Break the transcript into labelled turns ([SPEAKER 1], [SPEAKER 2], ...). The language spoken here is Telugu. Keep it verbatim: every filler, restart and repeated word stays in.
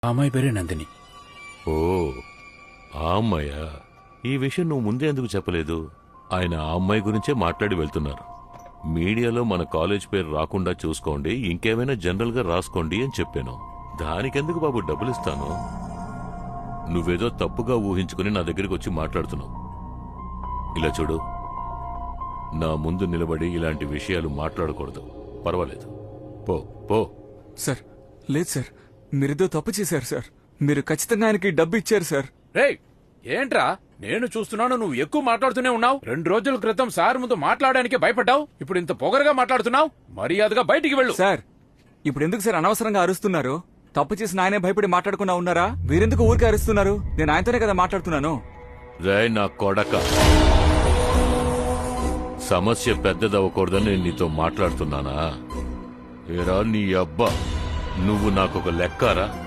[SPEAKER 1] ఆ అమ్మాయి పేరే నందిని.
[SPEAKER 2] ఓ ఆ అమ్మాయా? ఈ విషయం నువ్వు ముందే ఎందుకు చెప్పలేదు? ఆయన ఆ అమ్మాయి గురించే మాట్లాడి వెళ్తున్నారు. మీడియాలో మన కాలేజ్ పేరు రాకుండా చూసుకోండి, ఇంకేమైనా జనరల్ గా రాసుకోండి అని చెప్పాను. దానికెందుకు బాబు డబ్బులు ఇస్తాను? నువ్వేదో తప్పుగా ఊహించుకుని నా దగ్గరికి వచ్చి మాట్లాడుతున్నావు. ఇలా చూడు, నా ముందు నిలబడి ఇలాంటి విషయాలు మాట్లాడకూడదు. పర్వాలేదు, పో పో.
[SPEAKER 3] సార్ లేదు సార్, మీరేదో తప్పు చేశారు సార్. మీరు ఖచ్చితంగా ఆయనకి డబ్బు ఇచ్చారు సార్.
[SPEAKER 1] రేయ్, ఏంట్రా నేను చూస్తున్నాను, నువ్వు ఎక్కువ మాట్లాడుతూనే ఉన్నావు. రెండు రోజుల క్రితం సార్ ముందు మాట్లాడడానికి భయపడ్డావు, ఇప్పుడు ఇంత పొగరగా మాట్లాడుతున్నావు. మర్యాదగా బయటికి వెళ్ళు.
[SPEAKER 3] సార్ ఇప్పుడు ఎందుకు సార్ అనవసరంగా అరుస్తున్నారు? తప్పు చేసిన ఆయనే భయపడి మాట్లాడకుండా ఉన్నారా? మీరెందుకు ఊరికే అరుస్తున్నారు? నేను ఆయనతోనే కదా మాట్లాడుతున్నాను.
[SPEAKER 2] రే నా కొడక, సమస్య పెద్దదవ్వకూడదని నేను నీతో మాట్లాడుతున్నానా? ఏరా నీ అబ్బా, నువ్వు నాకొక లెక్కారా?